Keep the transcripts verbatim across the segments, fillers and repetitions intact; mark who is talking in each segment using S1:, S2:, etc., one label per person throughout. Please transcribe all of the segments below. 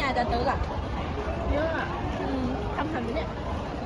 S1: อาจารย์เติร์กอะ
S2: เยอะอะ
S1: อืม
S2: ทำทันไหมเนี่ย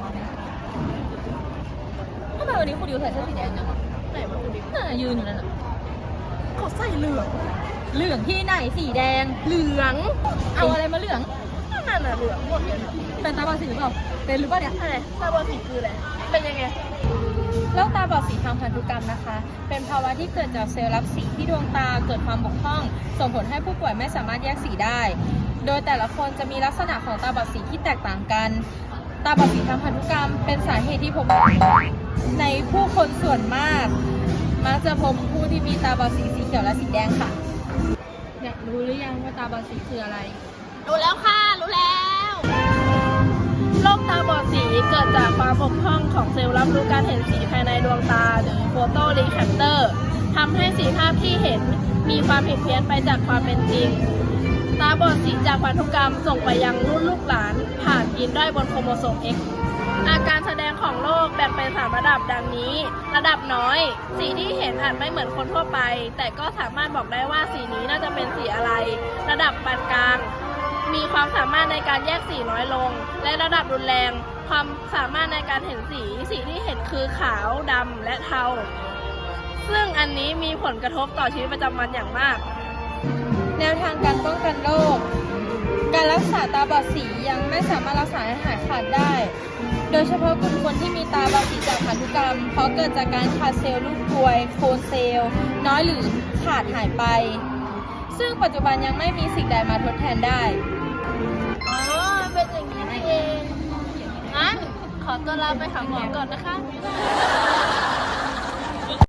S1: ทำไมวันนี้คุณดิวใส่เสื้อสีแดงจังวะ
S2: ไหนมาคุณดิ
S1: น่ายืนอยู่นั่นอะ
S2: เขาใส่เหลือง
S1: เหลืองที่ไหนสีแดง
S2: เหลือง
S1: เอาอะไรมาเหลือง
S2: นั่นน่ะเหลืองหมดเลยนะ
S1: เป็นตาบอดสีหรือเปล่าเป็นหรือเปล่าเนี่ย
S2: อะไรตาบอดสีคืออะไรเป็นยังไง
S1: โรคตาบอดสีทางพันธุกรรมนะคะ เป็นภาวะที่เกิดจากเซลล์รับสีที่ดวงตาเกิดความบกพร่อง ส่งผลให้ผู้ป่วยไม่สามารถแยกสีได้ โดยแต่ละคนจะมีลักษณะของตาบอดสีที่แตกต่างกัน ตาบอดสีทางพันธุกรรม เป็นสาเหตุที่พบในผู้คนส่วนมาก มักจะพบผู้ที่มีตาบอดสีสีเขียวและสีแดงค่ะอยากรู้หรือยังว่าตาบอดสีคืออะไร
S2: รู้แล้วค่ะ รู้แล้วโรคตาบอดสีเกิดจากความบกพร่องของเซลล์รับรู้การเห็นสีภายในดวงตาหรือโฟโตรีแคปเตอร์ทำให้สีภาพที่เห็นมีความผิดเพี้ยนไปจากความเป็นจริง ตาบอดสีจากพันธุกรรมส่งไปยังรุ่นลูกหลานผ่านยีนด้อยบนโครโมโซม X อาการแสดงของโรคแบ่งเป็นสามระดับดังนี้ ระดับน้อย สีที่เห็นอาจไม่เหมือนคนทั่วไป แต่ก็สามารถบอกได้ว่าสีนี้น่าจะเป็นสีอะไร ระดับปานกลาง มีความสามารถในการแยกสีน้อยลง และระดับรุนแรง ความสามารถในการเห็นสี สีที่เห็นคือขาว ดำ และเทา ซึ่งอันนี้มีผลกระทบต่อชีวิตประจำวันอย่างมาก
S1: แนวทางการป้องกันโรค การรักษาตาบอดสียังไม่สามารถรักษาให้หายขาดได้ โดยเฉพาะกลุ่มคนที่มีตาบอดสีจากพันธุกรรม เพราะเกิดจากการขาดเซลล์ลูกกรวย โคนเซลล์ น้อยหรือขาดหายไป ซึ่งปัจจุบันยังไม่มีสิ่งใดมาทดแทนได้
S2: อ๋อ เป็นอย่างนี้นี่เอง งั้น ขอตัวลาไปหาหมอก่อนนะคะ